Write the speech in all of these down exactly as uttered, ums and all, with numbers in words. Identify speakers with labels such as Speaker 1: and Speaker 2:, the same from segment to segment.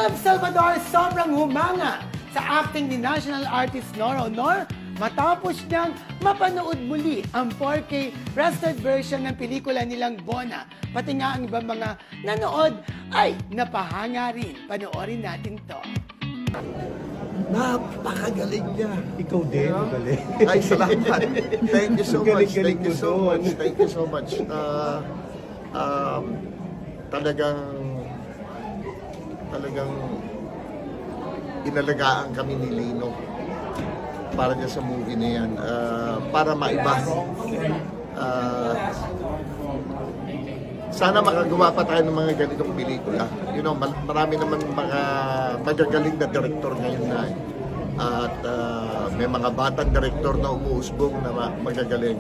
Speaker 1: Philip Salvador sobrang humanga sa acting ni national artist Nora Honor matapos niyang mapanood muli ang four K restored version ng pelikula nilang Bona. Pati nga ang ibang mga nanood ay napahanga rin. Panoorin natin to.
Speaker 2: Napakagaling niya.
Speaker 3: Ikaw din, magaling.
Speaker 2: Ay, salamat. Thank you so much.
Speaker 3: Galing-galing
Speaker 2: Thank you
Speaker 3: mo
Speaker 2: so
Speaker 3: doon.
Speaker 2: much. Thank you so much. Uh, um, talagang talagang inalagaan kami ni Lino para niya sa movie na yan. Uh, para maiba. Uh, sana makagawa pa tayo ng mga ganitong pelikula. You know, marami naman mga magagaling na director ngayon na at uh, may mga batang director na umuusbong na magagaling.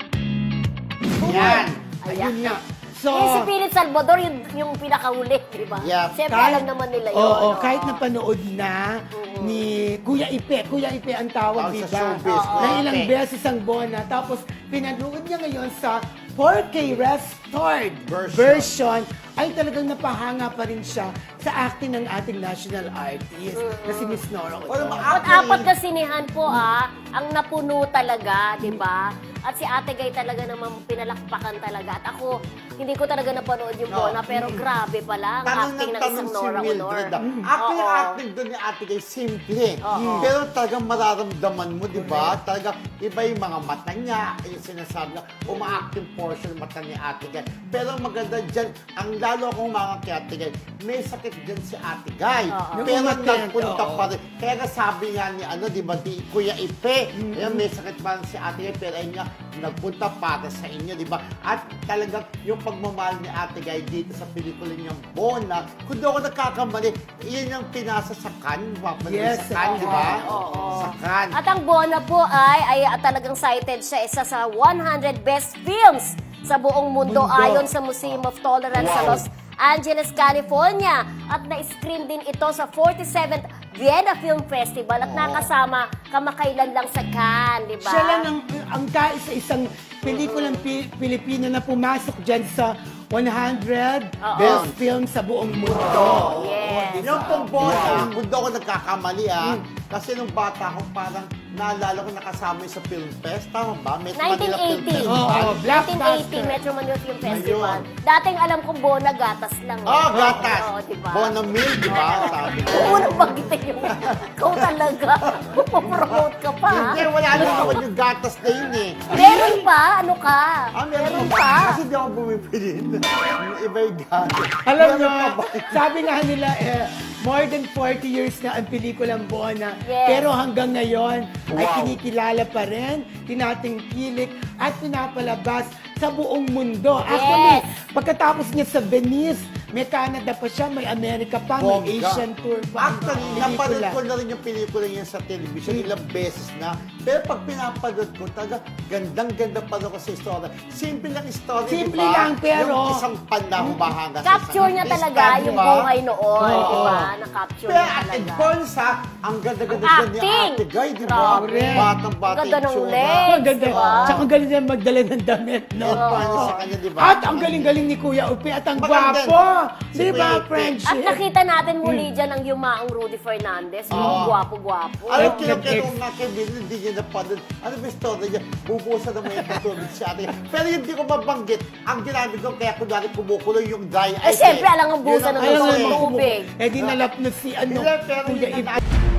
Speaker 1: Yan!
Speaker 4: Ayan.
Speaker 1: Ayun nga. So,
Speaker 4: Eh, si Philip Salvador, yung, yung pinakahuli, di ba?
Speaker 2: Yeah.
Speaker 4: Siyempre,
Speaker 1: kahit-
Speaker 4: alam naman nila yun.
Speaker 1: Oo,
Speaker 4: no?
Speaker 1: kahit napanood na ni Kuya Ipe. Kuya Ipe ang tawag,
Speaker 2: Oh,
Speaker 1: di
Speaker 2: sa
Speaker 1: ba?
Speaker 2: showbiz,
Speaker 1: Na
Speaker 2: Kuya
Speaker 1: ilang
Speaker 2: Ipe.
Speaker 1: beses ang Bona. Tapos, pinanood niya ngayon sa four K restored
Speaker 2: Version.
Speaker 1: version. Ay talagang napahanga pa rin siya sa acting ng ating national artist na si Miss Nora Honor.
Speaker 4: At apat na sinihan po ah, ang napuno talaga, di ba? At si Ate Gay talaga naman pinalakpakan talaga. At ako, hindi ko talaga napanood yung Bona, pero grabe pala ang
Speaker 5: Tanong
Speaker 4: acting
Speaker 5: ng
Speaker 4: ng
Speaker 5: tanong
Speaker 4: isang
Speaker 5: si
Speaker 4: Nora Honor.
Speaker 5: Mildred. ah. Actually,
Speaker 4: Oo.
Speaker 5: yung acting doon ni Ate Gay, simple.
Speaker 4: Oo.
Speaker 5: Pero talagang mararamdaman mo, di ba? Talagang iba yung mga mata niya, yung sinasabi niya, uma-acting portion ng mata ni Ate Gay. Pero ang maganda dyan, ang lalo akong mga kay Ate Gay, may sakit dyan si Ate Gay.
Speaker 4: Oo.
Speaker 5: Pero
Speaker 1: Yung umattend,
Speaker 5: nagpunta
Speaker 1: oo.
Speaker 5: pa rin. Kaya nga sabi nga ni, ano, di ba, di Kuya Ipe, ayan, may sakit pa rin si Ate Gay, pero ayun nga, nagpunta para sa inyo, di ba? At talagang yung pagmamahal ni Ate Gay dito sa pelikula niyang Bona, kung doon ako nagkakamali, yun yung pinasa sa Cannes, mapanood
Speaker 1: Yes,
Speaker 5: sa Cannes, di ba?
Speaker 4: Oo.
Speaker 5: Sa Cannes.
Speaker 4: At ang Bona po ay, ay ah, talagang cited siya isa sa one hundred best films sa buong mundo,
Speaker 1: Mundo.
Speaker 4: ayon sa Museum of Tolerance sa Los Angeles, California. At na-screen din ito sa forty-seventh Vienna Film Festival at nakasama kamakailan lang sa Cannes, di ba?
Speaker 1: Siya lang ang, ang kaisa-isang pelikulang Pi- Pilipino na pumasok dyan sa one hundred
Speaker 4: Oo.
Speaker 1: best films sa buong mundo.
Speaker 4: Yes.
Speaker 5: Yung pong Bona, kung doon ako nagkakamali ah, kasi nung bata ako parang naalala ko nakasama yung sa Film Fest, tama ba? Metro Manila Film
Speaker 4: nineteen eighty.
Speaker 5: Festival.
Speaker 1: Oo,
Speaker 4: nineteen
Speaker 1: Blockbuster.
Speaker 4: eighty, Metro Manila Film Festival.
Speaker 5: Ayun.
Speaker 4: Dating alam kong Bona, gatas lang. eh.
Speaker 5: Oh, gatas.
Speaker 4: Oo, di ba?
Speaker 5: Bona Mill, di ba? Sabi ko.
Speaker 4: Unang banggitin yung ikaw talaga. Pupromote ka pa. ha?
Speaker 5: Hindi, wala naman yung gatas na yun eh.
Speaker 4: Meron pa? Ano ka?
Speaker 5: Ah, meron
Speaker 4: Meron
Speaker 5: pa.
Speaker 4: pa?
Speaker 5: Kasi di ako bumibili. Iba yung gatas.
Speaker 1: Alam
Speaker 5: Meron
Speaker 1: nyo,
Speaker 5: pa ba?
Speaker 1: sabi nga nila, eh, more than forty years na ang pelikulang Bona.
Speaker 4: Yes.
Speaker 1: Pero hanggang ngayon, ay kinikilala pa rin, tinatingkilik, at pinapalabas sa buong mundo. Actually, pagkatapos niya sa Venice, may Canada pa siya, may America pa, may
Speaker 5: Bongga.
Speaker 1: Asian tour pa. ang
Speaker 5: Actually,
Speaker 1: pelikula.
Speaker 5: napanood ko na rin yung pelikula niya sa television ilang beses na. Pero pag pinapanood ko, talaga gandang-ganda pa rin ko sa istorya. Simple lang istorya,
Speaker 1: Simple
Speaker 5: di ba?
Speaker 1: lang, pero-
Speaker 5: Yung isang panahon bahanga sa
Speaker 4: Capture
Speaker 5: isang
Speaker 4: niya
Speaker 5: artista,
Speaker 4: talaga
Speaker 5: di
Speaker 4: yung
Speaker 5: ba?
Speaker 4: buhay noon,
Speaker 1: Oo.
Speaker 4: di ba? Na-capture
Speaker 5: Pero
Speaker 4: niya
Speaker 5: at in
Speaker 4: talaga.
Speaker 5: fairness ha, ang ganda-ganda
Speaker 4: Ang
Speaker 5: dyan ni
Speaker 4: acting!
Speaker 5: Ate Guy, di ba?
Speaker 4: Grabe.
Speaker 5: Batang-bata
Speaker 4: Ang ganda ng
Speaker 5: itsura.
Speaker 4: legs.
Speaker 1: Ang ganda.
Speaker 4: Diba?
Speaker 1: Tsaka ang galing niya magdala ng damit, no?
Speaker 5: Yan pa sa kanya, di ba?
Speaker 1: At ang galing-galing ni Kuya Upi at ang
Speaker 5: Maganda.
Speaker 1: gwapo.
Speaker 5: Si
Speaker 1: Di ba,
Speaker 5: Kuya Upi.
Speaker 1: friendship?
Speaker 4: At nakita natin muli dyan ang yumaong Rudy Fernandez, yung
Speaker 5: Oo.
Speaker 4: gwapo-gwapo.
Speaker 5: Alam
Speaker 1: Ex-
Speaker 5: ko yung
Speaker 1: ex-
Speaker 5: kaya nga kay Bill, hindi niya napanood. Ano ba yung story niya? Bubusan na may katulad si Ate. Pero hindi ko mabanggit. Ang ginamit ko, kaya kunwari kumukulo yung dry
Speaker 4: Eh,
Speaker 5: ice.
Speaker 4: syempre, alang ang busa
Speaker 5: Yun
Speaker 4: ng
Speaker 5: ang-
Speaker 4: totoo
Speaker 5: Ayun,
Speaker 4: tubig.
Speaker 1: Eh di nalapnos si ano,
Speaker 5: Hindi, pero
Speaker 1: Kuya
Speaker 5: yun
Speaker 1: Ip.
Speaker 5: ang